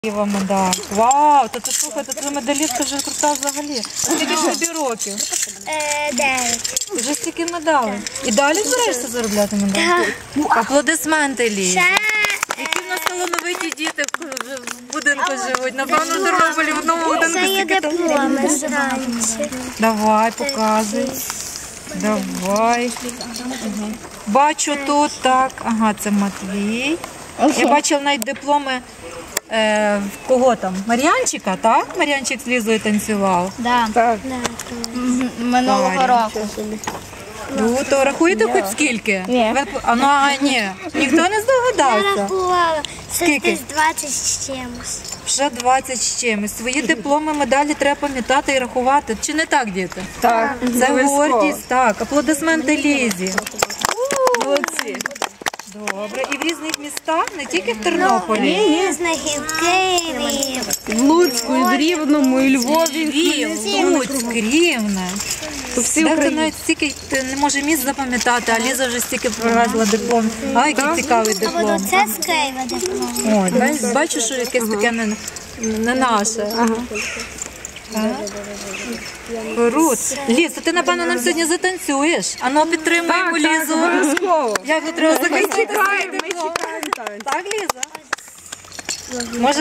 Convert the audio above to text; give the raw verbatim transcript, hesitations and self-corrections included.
Медаль. Вау, то ти слухай, то ти медалістка вже крута взагалі. Скільки ж тобі років? Дев'ять. Вже стільки медалей. І далі збираєшся заробляти медалі? Аплодисменти, Лі. Які в нас талановиті діти в будинку живуть. Напевно, в Тернополі в одному будинку Це є стільки дипломи зранці. Давай, показуй. Давай. Бачу тут, так. Ага, це Матвій. Я бачила навіть дипломи е, в кого там? Мар'янчика, так? Мар'янчик з Лізою танцював. Да. Да, Минулого року. Круто. Рахуєте хоч скільки? Ні. Ви- А, ну, а, ні. Ніхто не Я здогадався. рахувала. Це Скільки? десь двадцять з чимось. Вже двадцять з чимось. Свої дипломи, медалі треба пам'ятати і рахувати. Чи не так, діти? Так, Це гордість, так. Аплодисменти Лізі. молодці. Добре. І в різних містах, не тільки в Тернополі. Різних і в Києві. В Луцьку, і в Рівному, і Львові. Львів, Луцьк, Рівне. Всі Дехто Україні. навіть стільки не може місць запам'ятати, а Ліза вже стільки привезла диплом. А, який цікавий А диплом. от це з Києва диплом. Ой, бач- бачу, що якесь таке не, не наше. Так. Крут. Ліз, а ти, напевно, нам сьогодні затанцюєш. А ну, підтримуємо Лізу. Обов'язково. Як тут треба захистити свій Чекаємо, ми диплом. чекаємо танці. Так, Ліза? Може,